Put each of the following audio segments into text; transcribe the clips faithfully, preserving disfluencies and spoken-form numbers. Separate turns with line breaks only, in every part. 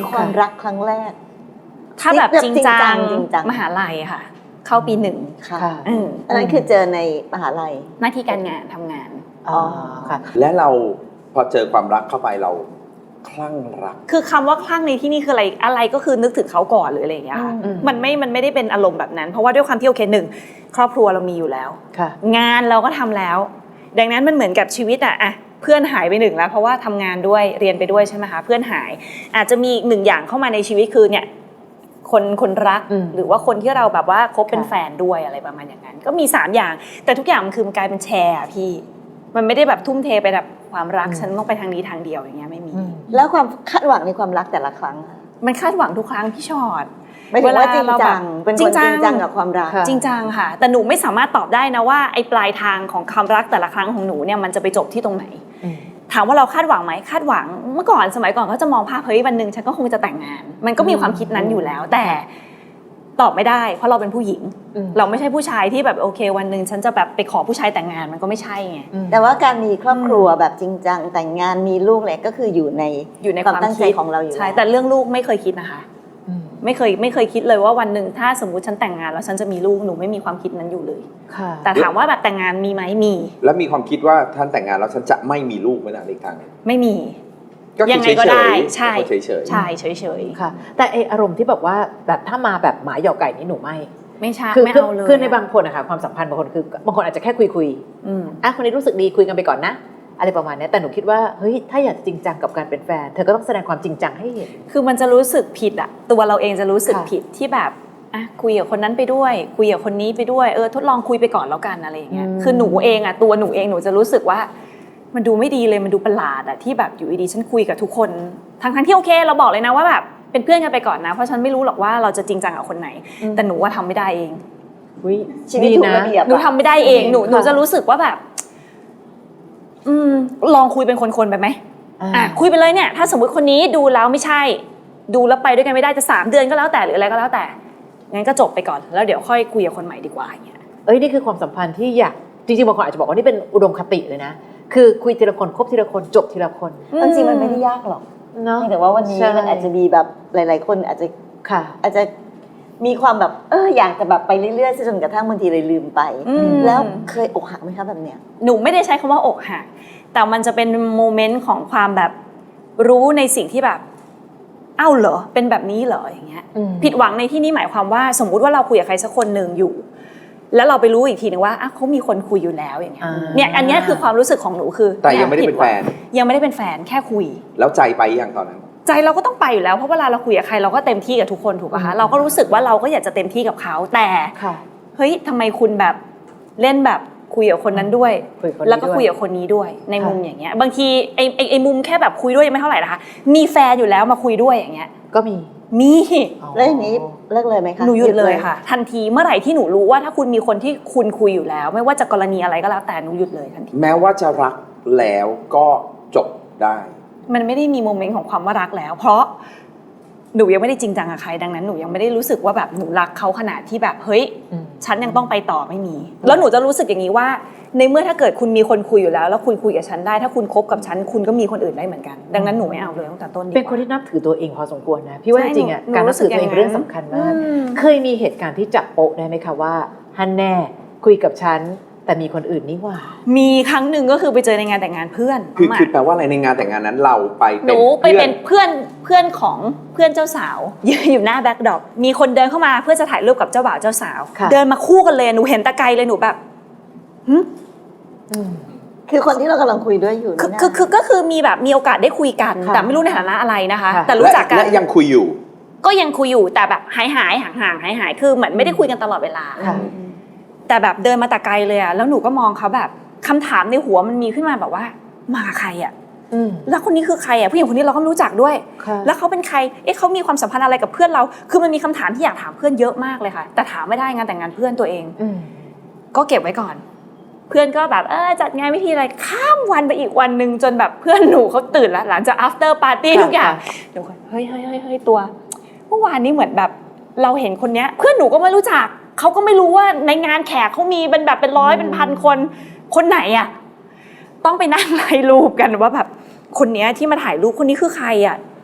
ความรักครั้งแรก
ถ้าแบบจริงจังมหาลัยค่ะเข้าปีหนึ่ง
ค่ะอันนั้นคือเจอในมหาลัย
หน้าที่การงานทำงาน
อ๋อค่ะและเราพอเจอความรักเข้าไปเราคลั่งรัก
คือคำว่าคลั่งในที่นี่คืออะไรอะไรก็คือนึกถึงเขาก่อนหรืออะไรอย่างเงี้ยค่ะมันไม่มันไม่ได้เป็นอารมณ์แบบนั้นเพราะว่าด้วยความที่โอเคหนึ่งครอบครัวเรามีอยู่แล้วงานเราก็ทำแล้วดังนั้นมันเหมือนกับชีวิตอะอะเพื่อนหายไปหนึ่งแล้วเพราะว่าทำงานด้วยเรียนไปด้วยใช่ไหมคะเพื่อนหายอาจจะมีอีกหนึ่งอย่างเข้ามาในชีวิตคือเนี่ยคนคนรักหรือว่าคนที่เราแบบว่าคบเป็นแฟนด้วยอะไรประมาณอย่างนั้นก็มีสามอย่างแต่ทุกอย่างมันคือมันกลายเป็นแชร์พี่มันไม่ได้แบบทุ่มเทไปแบบความรักฉันต้องไปทางนี้ทางเดียวอย่างเงี้ยไม่มี
แล้วความคาดหวังในความรักแต่ละครั้ง
มันคาดหวังทุกครั้งพี่ชอด
ไม่ถึงว่าจริงจังเป็นคนจริงจังกับความรัก
จริงจังค่ะแต่หนูไม่สามารถตอบได้นะว่าไอ้ปลายทางของความรักแต่ละครั้งของหนูเนี่ยมันจะไปจบที่ตรงไหนถามว่าเราคาดหวังไหมคาดหวังเมื่อก่อนสมัยก่อนก็จะมองภาพเฮ้ยวันนึงฉันก็คงจะแต่งงานมันก็มีความคิดนั้นอยู่แล้วแต่ตอบไม่ได้เพราะเราเป็นผู้หญิงเราไม่ใช่ผู้ชายที่แบบโอเควันนึงฉันจะแบบไปขอผู้ชายแต่งงานมันก็ไม่ใช่ไง
แต่ว่าการมีครอบครัวแบบจริงจังแต่งงานมีลูกอะไรก็คืออยู่ใน
อยู่ใน
ความตั้งใจของเราอยู่
ใช่แต่เรื่องลูกไม่เคยคิดนะคะไม่เคยไม่เคยคิดเลยว่าวันหนึ่งถ้าสมมุติฉันแต่งงานแล้วฉันจะมีลูกหนูไม่มีความคิดนั้นอยู่เลยแต่ถามว่าแบบแต่งงานมีไหมมี
แล้วมีความคิดว่าท่านแต่งงานแล้วฉันจะไม่มีลูกไหมนะอีกทาง
ไม่มี
ยังไงก็ได้ใช่เฉย
ๆใช่เฉย
ๆค่ะแต่ไออารมณ์ที่แบบว่าแบบถ้ามาแบบหมาหยอกไก่นี่หนูไม่
ไม่ใช่
ไม่เอาเลยคือในบางคนนะคะความสัมพันธ์บางคนคือบางคนอาจจะแค่คุยคุยอ่ะคนนี้รู้สึกดีคุยกันไปก่อนนะอะไรประมาณนี้แต่หนูคิดว่าเฮ้ยถ้าอยากจริงจังกับการเป็นแฟนเธอก็ต้องแสดงความจริงจังให้เห็น
คือมันจะรู้สึกผิดอะตัวเราเองจะรู้สึกผิดที่แบบอ่ะคุยกับคนนั้นไปด้วยคุยกับคนนี้ไปด้วยเออทดลองคุยไปก่อนแล้วกันอะไรอย่างเงี้ยคือหนูเองอะตัวหนูเองหนูจะรู้สึกว่ามันดูไม่ดีเลยมันดูประหลาดอะที่แบบอยู่ดีๆฉันคุยกับทุกคนทั้งๆที่โอเคเราบอกเลยนะว่าแบบเป็นเพื่อนกันไปก่อนนะเพราะฉันไม่รู้หรอกว่าเราจะจริงจังกับคนไหนแต่หนูว่าทำไม่ได้เอง
ชีวิตถูกระเบียบ
หนูทำไม่ได้เองหนูหนูจะรู้สึกว่าแบบอืมลองคุยเป็นคนๆไปไหมอ่ะคุยไปเลยเนี่ยถ้าสมมติคนนี้ดูแล้วไม่ใช่ดูแล้วไปด้วยกันไม่ได้จะสามเดือนก็แล้วแต่หรืออะไรก็แล้วแต่งั้นก็จบไปก่อนแล้วเดี๋ยวค่อยคุยกับคนใหม่ดีกว่าอย่างเงี้ย
เอ้ยนี่คือความสัมพันธ์ที่อยากจริงๆบางคนอาจจะบอกว่านี่เป็นอุดมคติเลยนะคือคุยทีละคนคบทีละคนจบทีละคน
จริงๆมันไม่ได้ยากหรอกเนาะแต่ว่าวันนี้มันอาจจะมีแบบหลายๆคนอาจจะค่ะอาจจะมีความแบบเอออยากจะแบบไปเรื่อยๆจนกระทั่งบางทีเลยลืมไปแล้วเคยอกหักไหมคะแบบเนี้ย
หนูไม่ได้ใช้คำว่าอกหักแต่มันจะเป็นโมเมนต์ของความแบบรู้ในสิ่งที่แบบเอ้าเหรอเป็นแบบนี้เหรออย่างเงี้ยผิดหวังในที่นี้หมายความว่าสมมุติว่าเราคุยกับใครสักคนหนึ่งอยู่แล้วเราไปรู้อีกทีนึงว่าเขามีคนคุยอยู่แล้วอย่างเงี้ยเนี่ยอันนี้คือความรู้สึกของหนูคือ
แต่ยังไม่ได้เป็นแฟน
ยังไม่ได้เป็นแฟนแค่คุย
แล้วใจไปยังตอนนั้น
ใจเราก็ต้องไปอยู่แล้วเพราะเวลาเราคุยกับใครเราก็เต็มที่กับทุกคนถูกป่ะคะเราก็รู้สึกว่าเราก็อยากจะเต็มที่กับเขาแต่เฮ้ยทำไมคุณแบบเล่นแบบคุยกับคนนั้นด้วยแล้วก็คุยกับคนนี้ด้วยในมุมอย่างเงี้ยบางทีไอ้ไอ้มุมแค่แบบคุยด้วยยังไม่เท่าไหร่นะคะมีแฟนอยู่แล้วมาคุยด้วยอย่างเงี้ย
ก็มี
มี
แล้วอย่างนี้เลิกเลยไหมคะ
หนูหยุดเลยค่ะทันทีเมื่อไหร่ที่หนูรู้ว่าถ้าคุณมีคนที่คุณคุยอยู่แล้วไม่ว่าจะกรณีอะไรก็แล้วแต่หนูหยุดเลยทันที
แม้ว่าจะรักแล้วก็จบได้
มันไม่ได้มีโมเมนต์ของความว่ารักแล้วเพราะหนูยังไม่ได้จริงจังกับใครดังนั้นหนูยังไม่ได้รู้สึกว่าแบบหนูรักเขาขนาดที่แบบเฮ้ยฉันยังต้องไปต่อไม่มีแล้วหนูจะรู้สึกอย่างนี้ว่าในเมื่อถ้าเกิดคุณมีคนคุยอยู่แล้วแล้วคุณคุยกับฉันได้ถ้าคุณคบกับฉันคุณก็มีคนอื่นได้เหมือนกันดังนั้นหนูไม่เอาเลยตั้งแต่ต้น
เป็นคนที่นับถือตัวเองพอสมควรนะพี่ว่าจริงๆอ่ะการนับถือตัวเองเป็นเรื่องสำคัญมากเคยมีเหตุการณ์ที่จับโป๊ะได้ไหมคะว่าฮันแน่คุยกับฉันแต่มีคนอื่นนี่ว่า
มีครั้งหนึ่งก็คือไปเจอในงานแต่งงานเพื่อน
คือคือแปลว่าอะไรในงานแต่งงานนั้นเราไป
หนูไปเป็นเพื่อนเพื่อนของเพื่อนเจ้าสาวยืนอยู่หน้าแบ็คดรอปมีคนเดินเข้ามาเพื่อจะถ่ายรูปกับเจ้าบ่าวเจ้าสาวเดินมาคู่กันเลยหนูเห็นตะไกลเลยหนูแบบหึ
คือคนที่เรากำลังคุยด้วยอยู่
คือคือคือก็คือมีแบบมีโอกาสได้คุยกันแต่ไม่รู้ในฐานะอะไรนะคะแต่รู้จักกัน
และยังคุยอยู่
ก็ยังคุยอยู่แต่แบบหายหายห่างห่างหายหายคือเหมือนไม่ได้คุยกันตลอดเวลาแต่แบบเดินมาแต่ไกลเลยอะแล้วหนูก็มองเขาแบบคำถามในหัวมันมีขึ้นมาแบบว่ามาใครอะแล้วคนนี้คือใครอะผู้หญิงคนนี้เราก็ไม่รู้จักด้วยแล้วเขาเป็นใครเอ๊ะเขามีความสัมพันธ์อะไรกับเพื่อนเราคือมันมีคำถามที่อยากถามเพื่อนเยอะมากเลยค่ะแต่ถามไม่ได้งานแต่งงานเพื่อนตัวเองก็เก็บไว้ก่อนเพื่อนก็แบบเออจัดงานวิธีอะไรข้ามวันไปอีกวันนึงจนแบบเพื่อนหนูเขาตื่นแล้วหลังจาก after party ทุกอย่างเดี๋ยวเฮ้ยเฮ้ยเฮ้ยตัวเมื่อวานนี้เหมือนแบบเราเห็นคนเนี้ยเพื่อนหนูก็ไม่รู้จักเขาก็ไม่รู้ว่าในงานแขกเขามีเป็นแบบเป็นร้อยเป็นพันคนคนไหนอ่ะต้องไปนั่งไล่รูปกันว่าแบบคนเนี้ยที่มาถ่ายรูปคนนี้คือใครอ่ะ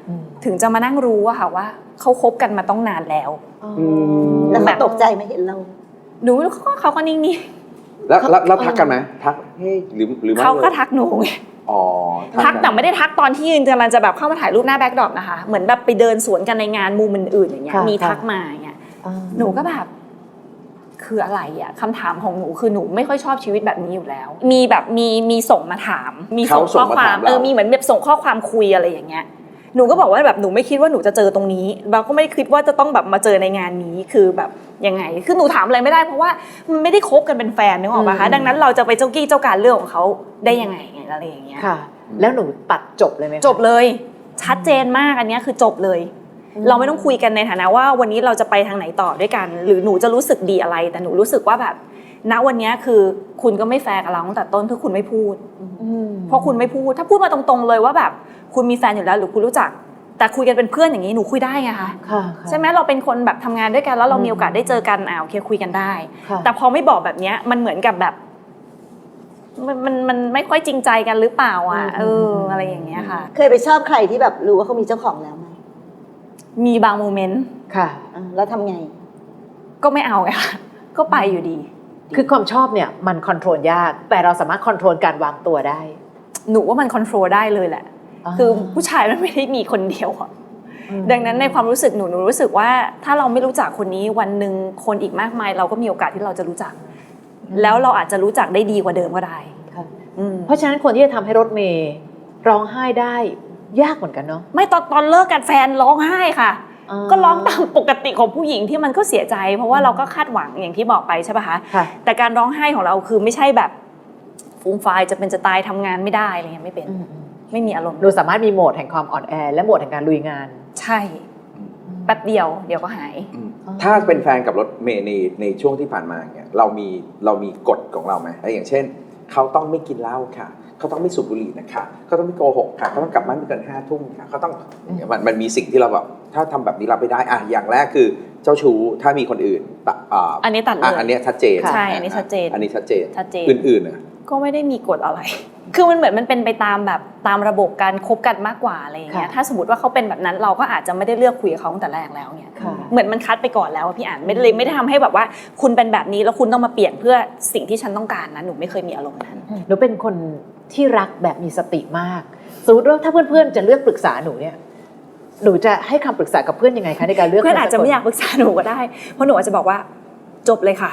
ถึงจะมานั่งรู้อะค่ะว่าเขาคบกันมาต้องนานแล้ว
แล้วเขาตกใจไหมเห็นเรา
หนูเขาเขาก็นิ่ง
แล้วแล้วแล้วทักกันไหมทักเฮ้ยหรือหรือ
ๆ
ไม่
เขาก็
ลย
ทักหนูไง
อ๋อ
ทัก
กัน
แต่ไม่ได้ทักตอนที่ยืนกำลังจะแบบเข้ามาถ่ายรูปหน้าแบ็คดรอปนะคะเหมือนแบบไปเดินสวนกันในงานมุมอื่นๆอย่างเงี้ย
ค่ะ
มีทัก
ค่ะ
มาอย่างเงี้ยหนูก็แบบคืออะไรอะคำถามของหนูคือหนูไม่ค่อยชอบชีวิตแบบนี้อยู่แล้ว มีแบบมีมีส่งมาถาม มีส่งข้อความเออมีเหมือนแบบส่งข้อความคุยอะไรอย่างเงี้ยหนูก็บอกว่าแบบหนูไม่คิดว่าหนูจะเจอตรงนี้เราก็ไม่ได้คิดว่าจะต้องแบบมาเจอในงานนี้คือแบบยังไงคือหนูถามอะไรไม่ได้เพราะว่ามันไม่ได้คบกันเป็นแฟนนึกออกปะคะดังนั้นเราจะไปเจ้ากี้เจ้าการเรื่องของเขาได้ยังไงอะไรอย่างเงี้ย
ค่ะ แล้วหนูตัดจบเลยไหมคะ
จบเลยชัดเจนมากอันนี้คือจบเลย เราไม่ต้องคุยกันในฐานะว่าวันนี้เราจะไปทางไหนต่อด้วยกัน หรือหนูจะรู้สึกดีอะไรแต่หนูรู้สึกว่าแบบณวันนี้คือคุณก็ไม่แฟร์กับเราตั้งแต่ต้นคือคุณไม่พูดเพราะคุณไม่พูดถ้าพูดมาตรงๆเลยว่าแบบคุณมีแฟนอยู่แล้วหรือคุณรู้จักแต่คุยกันเป็นเพื่อนอย่างนี้หนูคุยได้ไงคะ
ค่ะ
ใช่ไหมเราเป็นคนแบบทำงานด้วยกันแล้วเรามีโอกาสได้เจอกันอ่าโอเคคุยกันได้
ค่ะ
แต่พอไม่บอกแบบนี้มันเหมือนกับแบบมันมันมันไม่ค่อยจริงใจกันหรือเปล่าอ่ะเอออะไรอย่างเงี้ยค่ะ
เคยไปชอบใครที่แบบรู้ว่าเขามีเจ้าของแล้วไหม
มีบางโมเมนต์
ค่ะ
อ่าแล้วทำไง
ก็ไม่เอาไงค่ะก็ไปอยู่ดี
คือความชอบเนี่ยมันคอนโทรลยาก แต่เราสามารถคอนโทรลการวางตัวได้
หนูว่ามันคอนโทรลได้เลยแหละ คือผู้ชายมันไม่ได้มีคนเดียวอะดังนั้นในความรู้สึกหนูหนูรู้สึกว่าถ้าเราไม่รู้จักคนนี้วันหนึ่งคนอีกมากมาย เราก็มีโอกาสที่เราจะรู้จัก แล้วเราอาจจะรู้จักได้ดีกว่าเดิมก็ได้
ค่ะ
อืม
เพราะฉะนั้นคนที่จะทำให้รถเมย์ร้องไห้ได้ยากเหมือนกันเนาะ
ไม่ตอนตอนเลิกกันแฟนร้องไห้ค่ะ ก็ร้องตามปกติของผู้หญิงที่มันก็เสียใจ เพราะว่าเราก็คาดหวังอย่างที่บอกไปใช่ป่ะคะ
ค่ะ
แต่การร้องไห้ของเราคือไม่ใช่แบบฟูมฟายจะเป็นจะตายทำงานไม่ได้อะไรเงี้ยไม่เป็น
อืม
ไม่มีอารมณ์
หนูสามารถมีโหมดแห่งความอ่อนแอ และโหมดแห่งการลุยงาน
ใช่แป๊บเดียวเดี๋ยวก็หาย
อืมถ้าเป็นแฟนกับรถเมย์ในในช่วงที่ผ่านมาเนี่ยเรามีเรามีกฎของเราไหมอย่างเช่นเขาต้องไม่กินเหล้าค่ะเขาต้องไม่สูบบุหรี่นะคะเขาต้องไม่โกหกค่ะเขาต้องกลับบ้านไม่เกินห้าทุ่มค่ะเขาต้องมันมันมีสิ่งที่เราแบบถ้าทำแบบนี้รับไม่ได้อ่ะอย่างแรกคือเจ้าชู้ถ้ามีคนอื่นตะอ่า
อันนี้ตัดเลย
อันนี้ชัดเจน
ใช่อันนี้ชัดเจน
อันนี้ชัดเจน
ชัดเจน
อื่นๆนะ
ก็ไม่ได้มีกฎอะไร คือมันเหมือนมันเป็นไปตามแบบตามระบบการคบกันมากกว่าอะไรอย่างเงี้ย
ค่ะ
ถ้าสมมติว่าเขาเป็นแบบนั้นเราก็อาจจะไม่ได้เลือกคุยกับเขาตั้งแต่แรกแล้วเนี่ย
ค่ะ
เหมือนมันคัดไปก่อนแล้วอะพี่อ่านไม่ได้เลยไม่ได้ทำให้แบบว่า คุณเป็นแบบนี้แล้วคุณต้องมาเปลี่ยนเพื่อสิ่งที่ฉันต้องการนะหนูไม่เคยมีอารมณ์นั้น
หนูเป็นคนที่รักแบบมีสติมาก สมมติว่าถ้าเพื่อนๆจะเลือกปรึกษาหนูเนี่ย หนูจะให้คำปรึกษากับเพื่อนยังไงคะในการเลือก
เพื่อนอาจจะไม่อยากปรึกษาหนูก็ได้ เพราะหนูอาจจะบอกว่าจบเลยค่ะ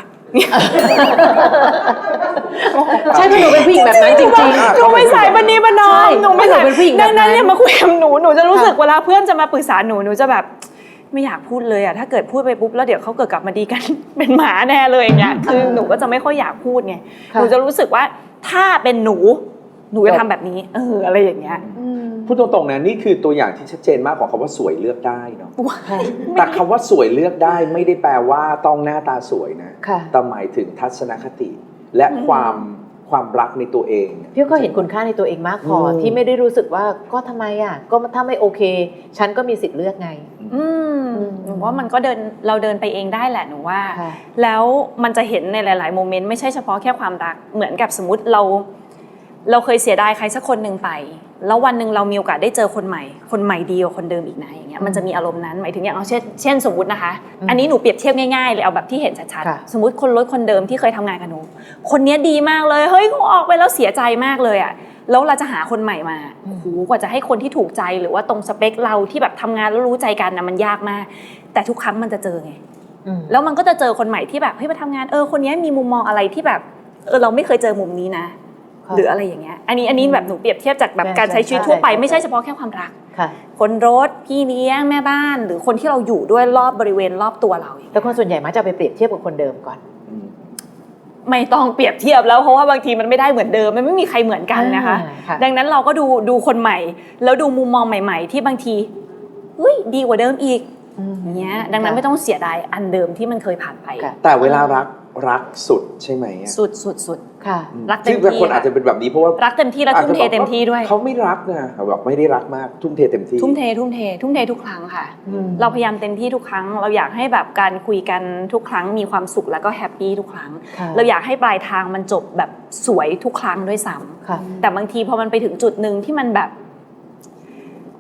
ใช่เพราะหนูเป็นผู้หญิงแบบนั้นจริง
หนูไม่ใส่บันนี้บันนอ
ใช่
มหนูไม่ใส่
หนูเป็นผู้หญิงแบบนั้น
ดังนั้นเนี่ยมาคุยกับหนูหนูจะรู้สึก
ค่ะ
เวลาเพื่อนจะมาปรึกษาหนูหนูจะแบบไม่อยากพูดเลยอะถ้าเกิดพูดไปปุ๊บแล้วเดี๋ยวเขาเกิดกลับมาดีกัน เป็นหมาแน่เลยอย่างเงี้ยคือหนูก็จะไม่ค่อยอยากพูดไง
ค่ะ
หนูจะรู้สึกว่าถ้าเป็นหนูหนูจะทำแบบนี้เอออะไรอย่างเงี้ย
พูดตรงๆนะนี่คือตัวอย่างที่ชัดเจนมากของคำว่าสวยเลือกได้เนาะ
ว้าย
แต่คำว่าสวยเลือกได้ไม่ได้แปลว่าต้องหน้าตาสวยนะ
ค่ะ
แต่หมายถึงทัศนคติและความความรักในตัวเอง
พี่ก็เห็นคุณค่าในตัวเองมากพออ
ม
ที่ไม่ได้รู้สึกว่าก็ทำไมอ่ะก็ถ้าไม่โอเค ฉันก็มีสิทธิ์เลือกไง
อืมหนูว่ามันก็เดินเราเดินไปเองได้แหละหนูว่า
ค่ะ
แล้วมันจะเห็นในหลาย ๆ โมเมนต์ไม่ใช่เฉพาะแค่ความรักเหมือนกับสมมติเรา เราเคยเสียดายใครสักคนหนึ่งไป แล้ววันหนึ่งเรามีโอกาสได้เจอคนใหม่ คนใหม่ดีกว่าคนเดิมอีกนะอย่างเงี้ยมันจะมีอารมณ์นั้นหมายถึงอย่างเอาเช่นเช่นสมมตินะคะ อันนี้หนูเปรียบเทียบง่ายๆเลยเอาแบบที่เห็นชัด
ค่ะ
ๆสมมติคนรถคนเดิมที่เคยทำงานกับหนูคนนี้ดีมากเลยเฮ้ยเขาออกไปแล้วเสียใจมากเลยอ่ะแล้วเราจะหาคนใหม่มาโอ้โหกว่าจะให้คนที่ถูกใจหรือว่าตรงสเปคเราที่แบบทำงานแล้วรู้ใจกันนะมันยากมาก แต่ทุกครั้งมันจะเจอไง
อืม
แล้วมันก็จะเจอคนใหม่ที่แบบเฮ้ยมาทำงานเออคนนี้มีมุมมองอะไรที่แบบเออเราไม่เคยเจอมุมนี้นะ
ค่ะ
หรืออะไรอย่างเงี้ยอันนี้อันนี้แบบหนูเปรียบเทียบจากแบบ
ใช่
การใช้ชีวิตทั่วไป
ใช่
ไม่ใช่เฉพาะแค่ความรัก
ค่ะ
คนรถพี่เลี้ยงแม่บ้าน หรือคนที่เราอยู่ด้วยรอบบริเวณรอบตัวเราอย่าง
แต่
เงี้ย
คนส่วนใหญ่มักจะไปเปรียบเทียบกับคนเดิมก่อน
อืม
ไม่ต้องเปรียบเทียบแล้วเพราะว่าบางทีมันไม่ได้เหมือนเดิมมันไม่มีใครเหมือนกันนะคะ
อ่าค่ะ
ดังนั้นเราก็ดูดูคนใหม่ แล้วดูมุมมองใหม่ ๆ ที่บางทีเฮ้ยดีกว่าเดิมอีกอย่างเงี้ยดังนั้นไม่ต้องเสียดายอันเดิมที่มันเคยผ่านไป
ค่ะ
แต่เวลารักรักสุดใช่ไหมอะ
สุดสุดสุด
ค่ะ
อืม
รักเต็ม
ซึ่งบางคน
ที่
อาจจะเป็นแบบนี้เพราะว่า
รักเต็มที่และทุ่มเทเต็มที่ด้วย
เขาไม่รักนะแบบไม่ได้รักมากทุ่มเทเต็มที่
ทุ่มเททุ่มเททุ่มเททุกครั้งค่ะ
อืม
เราพยายามเต็มที่ทุกครั้ง เราอยากให้แบบการคุยกันทุกครั้งมีความสุขแล้วก็แฮปปี้ทุกครั้ง
ค่ะ
เราอยากให้ปลายทางมันจบแบบสวยทุกครั้งด้วยซ้ำ
ค่ะ
แต่บางทีพอมันไปถึงจุดหนึ่งที่มันแบบ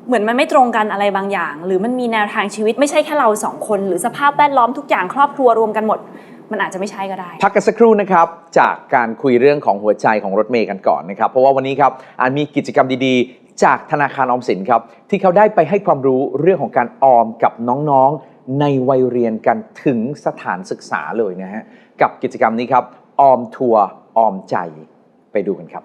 เหมือนมันไม่ตรงกันอะไรบางอย่าง หรือมันมีแนวทางชีวิตไม่ใช่แค่เราสองคนหรือสภาพแวดล้อมทุกอย่างครอบครัวรวมกันหมดมันอาจจะไม่ใช่ก็ได้
พักกันสักครู่นะครับจากการคุยเรื่องของหัวใจของรถเมย์กันก่อนนะครับเพราะว่าวันนี้ครับอาจมีกิจกรรมดีๆจากธนาคารออมสินครับที่เขาได้ไปให้ความรู้เรื่องของการออมกับน้องๆในวัยเรียนกันถึงสถานศึกษาเลยนะฮะกับกิจกรรมนี้ครับออมทัวร์ออมใจไปดูกันครับ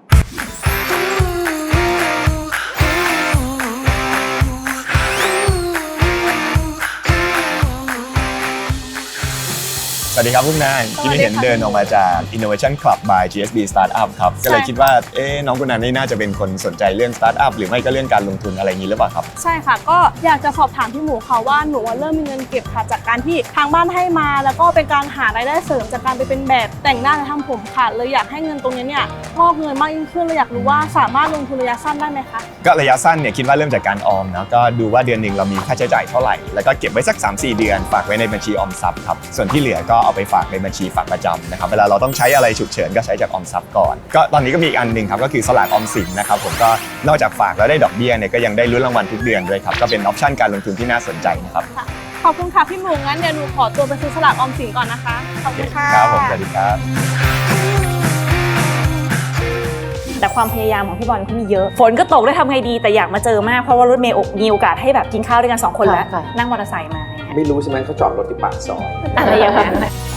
สวัสดีครับพวกนายที่เห็นเดินออกมาจาก Innovation Club by จี เอส บี Startup ครับก็เลยคิดว่าเอ๊ะน้องกุณนันนี่น่าจะเป็นคนสนใจเรื่อง Startup หรือไม่ก็เรื่องการลงทุนอะไรอย่างนี้หรือเปล่าครับ
ใช่ค่ะก็อยากจะสอบถามพี่หมูค่ะว่าหนูเริ่มมีเงินเก็บค่ะจากการที่ทางบ้านให้มาแล้วก็เป็นการหารายได้เสริมจากการไปเป็นแบบแต่งหน้าและทำผมค่ะเลยอยากให้เงินตรงนี้เนี่ยงอกเงินมากยิ่งขึ้นเลยอยากรู้ว่าสามารถลงทุนระยะสั้นได้ไหมคะ
ก็ระยะสั้นเนี่ยคิดว่าเริ่มจากการออมนะก็ดูว่าเดือนหนึ่งเรามีค่าใช้จ่ายเท่าไหร่แล้วก็เก็บไว้สัก สามถึงสี่ เดือนฝากไว้ในบัญชีออมทรัพย์ครับส่วนที่เหลือก็เอาไปฝากในบัญชีฝากประจำนะครับเวลาเราต้องใช้อะไรฉุกเฉินก็ใช้จากออมทรัพย์ก่อนก็ตอนนี้ก็มีอีกอันหนึ่งครับก็คือสลากออมสินนะครับผมก็นอกจากฝากแล้วได้ดอกเบี้ยเนี่ยก็ยังได้ลุ้นรางวัลทุกเดือนด้วยครับก็เป็นออปชั่นการลงทุนที่น่าสนใจนะครับ
ขอบคุณค่ะพี่หมูงั้นเดี๋ยวหนูขอตัวไปซื้อสลากออมสินก่อนนะคะขอบคุณค่ะ
ครับผมสวัสดีครับ
แต่ความพยายามของพี่บอลเขามีเยอะฝนก็ตกได้ทำไงดีแต่อยากมาเจอมากเพราะว่ารถเมย์มีโอกาสให้แบบกินข้าวด้วยกันสองคนแล้วนั่งมอเตอร์ไซค์มา
ไม่รู้ใช่ไหมเขาจอดรถที่ปากซอย
อะไรอย่างนั้น